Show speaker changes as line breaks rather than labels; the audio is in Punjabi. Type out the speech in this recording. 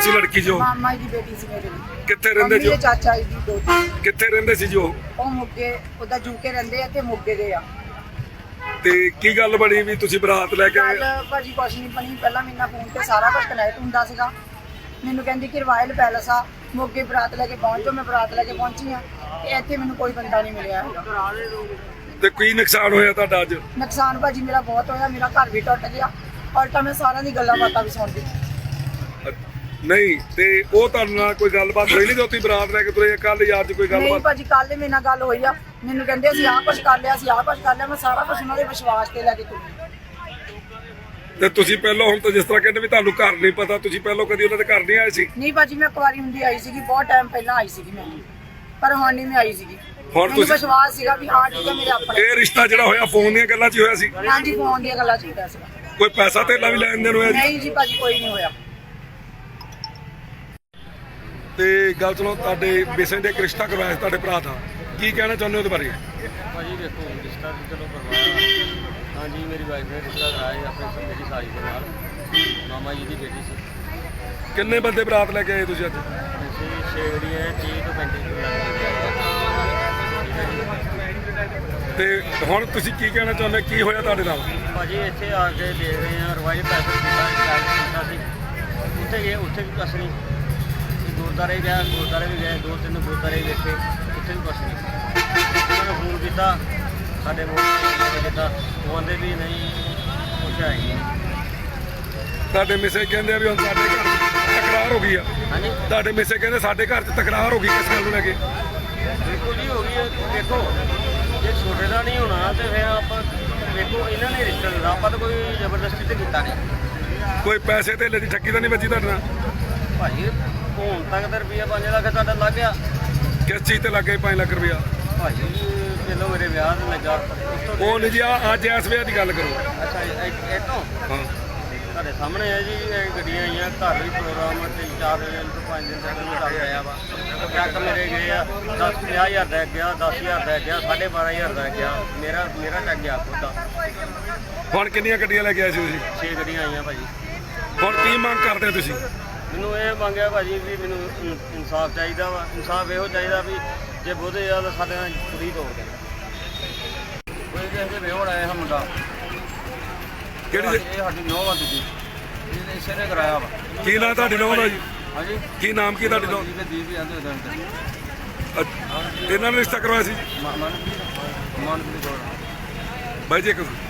ਸੀ ਲੜਕੀ ਜੋ?
ਮਾਮਾ ਜੀ ਦੀ ਬੇਟੀ ਸੀ ਮੇਰੇ ਦੀ।
ਕਿੱਥੇ ਰਹਿੰਦੇ ਜੋ?
ਚਾਚਾ ਜੀ ਦੀ ਦੋਤੀ।
ਕਿੱਥੇ ਰਹਿੰਦੇ ਸੀ ਜੋ?
ਉਹ ਮੁੱਗੇ ਉਹਦਾ ਜੂਕੇ ਰਹਿੰਦੇ ਆ ਤੇ ਮੁੱਗੇ ਦੇ ਆ।
ਤੇ ਕੀ ਗੱਲ ਬਣੀ ਵੀ ਤੁਸੀਂ ਬਰਾਤ ਲੈ ਕੇ ਆਏ?
ਗੱਲ ਭਾਜੀ ਕੁਛ ਨਹੀਂ ਬਣੀ। ਪਹਿਲਾਂ ਮੇਰੇ ਨਾਲ ਫੋਨ ਤੇ ਸਾਰਾ ਕੁਝ ਕਨੈਕਟ ਹੁੰਦਾ ਸੀਗਾ। ਮੈਨੂੰ ਕਹਿੰਦੀ ਕਿ ਰਾਇਲ ਪੈਲਸ ਆ ਮੋਗੇ ਬਰਾਤ ਲੈ ਕੇ ਪਹੁੰਚੋ। ਮੈਂ ਬਰਾਤ ਲੈ ਕੇ ਪਹੁੰਚੀ ਆ ਤੇ ਇੱਥੇ ਮੈਨੂੰ ਕੋਈ ਬੰਦਾ ਨਹੀਂ ਮਿਲਿਆ ਹੈਗਾ।
ਤੇ ਕੀ ਨੁਕਸਾਨ ਹੋਇਆ ਤੁਹਾਡਾ ਅੱਜ?
ਨੁਕਸਾਨ ਭਾਜੀ ਮੇਰਾ ਬਹੁਤ ਹੋਇਆ। ਮੇਰਾ ਘਰ ਵੀ ਟੁੱਟ ਗਿਆ ਔਰ ਤਾਂ ਮੈਂ ਸਾਰਿਆਂ ਦੀ ਗੱਲਾਂ ਬਾਤਾਂ ਵੀ ਸੁਣਦੀ।
ਨਹੀਂ ਤੇ ਉਹ ਤੁਹਾਡੇ ਨਾਲ ਕੋਈ ਗੱਲਬਾਤ ਹੋਈ ਨਹੀਂ ਜੋ ਤੁਸੀਂ ਬਰਾਤ ਲੈ ਕੇ ਤੁਰੇ ਕੱਲ ਜਾਂ ਅੱਜ ਕੋਈ
ਨਹੀਂ
ਗੱਲਬਾਤ?
ਭਾਜੀ ਕੱਲ ਮੇਰੇ ਨਾਲ ਗੱਲ ਹੋਈ ਆ। ਮੈਨੂੰ ਕਹਿੰਦੇ ਅਸੀਂ ਆਹ ਕੁਝ ਕਰ ਲਿਆ, ਅਸੀਂ ਆਹ ਕੁਝ ਕਰ ਲਿਆ। ਮੈਂ ਸਾਰਾ ਕੁਝ ਉਹਨਾਂ ਦੇ ਵਿਸ਼ਵਾਸ ਤੇ ਲੈ ਕੇ ਤੁਰੀ।
ਤੇ ਤੁਸੀਂ ਪਹਿਲਾਂ ਹੁਣ ਤਾਂ ਜਿਸ ਤਰ੍ਹਾਂ ਕਹਿੰਦੇ ਵੀ ਤੁਹਾਨੂੰ ਘਰ ਨਹੀਂ ਪਤਾ, ਤੁਸੀਂ ਪਹਿਲਾਂ ਕਦੀ ਉਹਨਾਂ ਦੇ ਘਰ ਨਹੀਂ ਆਏ ਸੀ?
ਨਹੀਂ ਭਾਜੀ ਮੈਂ ਕੁਆਰੀ ਹੁੰਦੀ ਆਈ ਸੀਗੀ, ਬਹੁਤ ਟਾਈਮ ਪਹਿਲਾਂ ਆਈ ਸੀਗੀ ਮੈਂ, ਪਰ ਹੁਣ ਨਹੀਂ ਮੈਂ ਆਈ ਸੀਗੀ।
ਹੁਣ
ਮੈਨੂੰ
ਤੁਸੀਂ
ਵਿਸ਼ਵਾਸ ਸੀਗਾ ਵੀ ਹਾਂ ਠੀਕ ਹੈ ਮੇਰੇ ਆਪਣੇ।
ਇਹ ਰਿਸ਼ਤਾ ਜਿਹੜਾ ਹੋਇਆ ਫੋਨ ਦੀਆਂ ਗੱਲਾਂ 'ਚ ਹੀ ਹੋਇਆ ਸੀ?
ਹਾਂਜੀ ਫੋਨ ਦੀਆਂ ਗੱਲਾਂ ਚਾਹੀਦਾ ਸੀਗਾ।
ਕੋਈ ਪੈਸਾ ਧੇਲਾ ਵੀ ਲੈਣ ਦੇਣ ਹੋਇਆ ਜੀ?
ਨਹੀਂ ਜੀ ਭਾਜੀ ਕੋਈ ਨਹੀਂ ਹੋਇਆ।
ਤੇ ਗੱਲ ਸੁਣੋ, ਤੁਹਾਡੇ ਬੇਸਨ ਦੇ ਇੱਕ ਰਿਸ਼ਤਾ ਕਰਵਾਇਆ ਸੀ ਤੁਹਾਡੇ ਭਰਾ ਦਾ, ਕੀ ਕਹਿਣਾ ਚਾਹੁੰਦੇ ਹੋ ਉਹਦੇ ਬਾਰੇ?
ਭਾਜੀ ਦੇਖੋ ਰਿਸ਼ਤਾ ਤਾਂ ਚਲੋ ਕਰਵਾਇਆ। ਹਾਂਜੀ ਮੇਰੀ ਵਾਈਫ ਨੇ ਰਿਸ਼ਤਾ ਕਰਾਇਆ ਆਪਣੇ ਮੇਰੀ ਸਾਲੀ ਦੇ ਨਾਲ, ਮਾਮਾ ਜੀ ਦੀ ਬੇਟੀ ਸੀ।
ਕਿੰਨੇ ਬੰਦੇ ਬਰਾਤ ਲੈ ਕੇ ਆਏ ਤੁਸੀਂ ਅੱਜ?
ਅਸੀਂ 6 ਗੱਡੀਆਂ 30 ਤੋਂ 35
ਤੇ ਹੁਣ ਤੁਸੀਂ ਕੀ ਕਹਿਣਾ ਚਾਹੁੰਦੇ, ਕੀ ਹੋਇਆ ਤੁਹਾਡੇ ਨਾਲ?
ਭਾਜੀ ਇੱਥੇ ਆ ਕੇ ਦੇਖ ਰਹੇ ਹਾਂ ਰਵਾਇਲ ਪੈਸੇ ਕੀਤਾ ਸੀ। ਉੱਥੇ ਗਏ, ਉੱਥੇ ਵੀ ਕੁਛ ਨਹੀਂ। ਗੁਰਦੁਆਰੇ ਗਿਆ, ਗੁਰਦੁਆਰੇ ਵੀ ਗਏ, 2-3 ਗੁਰਦੁਆਰੇ ਵੇਖੇ, ਉੱਥੇ ਵੀ ਕੁਛ ਨਹੀਂ। ਉਹਨਾਂ ਨੂੰ ਫੋਨ ਕੀਤਾ, ਸਾਡੇ ਫੋਨ ਕੀਤਾ, ਉਹ ਕਹਿੰਦੇ ਵੀ ਨਹੀਂ ਕੁਛ ਹੈ ਹੀ ਨਹੀਂ।
ਤੁਹਾਡੇ ਮਿਸੇ ਕਹਿੰਦੇ ਆ ਵੀ ਹੁਣ ਸਾਡੇ ਘਰ 'ਚ ਤਕਰਾਰ ਹੋ ਗਈ ਆ।
ਹਾਂਜੀ
ਤੁਹਾਡੇ ਮਿਸੇ ਕਹਿੰਦੇ ਸਾਡੇ ਘਰ 'ਚ ਤਕਰਾਰ ਹੋ ਗਈ ਕਿਸ ਗੱਲ ਨੂੰ ਲੈ ਕੇ?
ਬਿਲਕੁਲ ਜੀ ਹੋ ਗਈ ਹੈ। ਦੇਖੋ ਜੇ ਛੋਟੇ ਦਾ ਨਹੀਂ ਹੋਣਾ ਤੇ ਫਿਰ ਆਪਾਂ ਵੇਖੋ ਇਹਨਾਂ ਨੇ ਰਿਸ਼ਤਾ ਦਿੱਤਾ, ਆਪਾਂ ਤਾਂ ਕੋਈ ਜ਼ਬਰਦਸਤੀ ਤੇ ਕੀਤਾ ਨਹੀਂ।
ਕੋਈ ਪੈਸੇ ਧੇਲੇ ਦੀ ਠੱਗੀ ਤਾਂ ਨਹੀਂ ਵੱਜੀ ਤੁਹਾਡੇ ਨਾਲ?
ਭਾਜੀ ਹੁਣ ਤੱਕ ਤਾਂ ਰੁਪਈਆ 5 ਲੱਖ ਤੁਹਾਡਾ ਲੱਗ ਗਿਆ।
ਕਿਸ ਚੀਜ਼ ਤੇ ਲੱਗੇ 5 ਲੱਖ ਰੁਪਇਆ?
ਭਾਜੀ ਪਹਿਲਾਂ ਮੇਰੇ ਵਿਆਹ ਤੇ ਲੱਗਾ। ਉਸ ਤੋਂ
ਉਹ ਨਹੀਂ ਜੀ, ਅੱਜ ਇਸ ਵੇਲੇ ਦੀ ਗੱਲ ਕਰੋ।
ਅੱਛਾ ਇਹ ਤੋਂ
ਹਾਂ
ਤੁਹਾਡੇ ਸਾਹਮਣੇ ਹੈ ਜੀ, ਇਹ ਗੱਡੀਆਂ ਆਈਆਂ, ਘਰ ਵੀ ਪ੍ਰੋਗਰਾਮ 3-4 ਦਿਨ ਤੋਂ 5 ਦਿਨ ਤੱਕ ਚੱਲ ਰਿਹਾ ਵਾ। ਟਰੱਕ ਮੇਰੇ ਗਏ ਆ 50,000 ਦਾ ਗਿਆ, 10,000 ਦਾ ਗਿਆ, 12,500 ਦਾ ਗਿਆ। ਮੇਰਾ ਟੱਕ ਗਿਆ ਖੁਦ ਦਾ।
ਹੁਣ ਕਿੰਨੀਆਂ ਗੱਡੀਆਂ ਲੈ ਕੇ ਆਏ ਸੀ ਤੁਸੀਂ?
6 ਗੱਡੀਆਂ ਆਈਆਂ ਭਾਜੀ।
ਹੁਣ ਕੀ ਮੰਗ ਕਰਦੇ ਹੋ ਤੁਸੀਂ?
ਮੈਨੂੰ ਇਹ ਮੰਗਿਆ ਭਾਜੀ ਵੀ ਮੈਨੂੰ ਇਨਸਾਫ ਚਾਹੀਦਾ ਵਾ। ਇਨਸਾਫ ਇਹੋ ਚਾਹੀਦਾ ਵੀ ਜੇ ਬਹੁਤੇ ਆ ਤਾਂ ਸਾਡੇ ਨਾਲ ਪੂਰੀ ਤੋੜ ਦੇਣ। ਕੋਈ ਕਿਸੇ ਦੇ ਵਿਹੋੜ ਆਇਆ ਮੁੰਡਾ,
ਕਿਹੜੀ
ਇਹ ਸਾਡੀ ਨੌਂ ਆ ਦੂਜੀ, ਇਹਨੇ ਇਸੇ ਨੇ ਕਰਾਇਆ ਵਾ।
ਕੀ ਨਾਂ ਤੁਹਾਡੀ ਨੌਂ ਦਾ ਜੀ?
ਹਾਂਜੀ
ਕੀ ਨਾਮ ਕੀ ਤੁਹਾਡੀ ਨੌਂ?
ਦੀਪ ਜਾਂਦੇ ਉਹਦੇ
ਇਹਨਾਂ ਨੇ ਰਿਸ਼ਤਾ ਕਰਵਾਇਆ ਸੀ
ਮਨ ਦੀ
ਬਾਈ ਜੀ? ਇੱਕ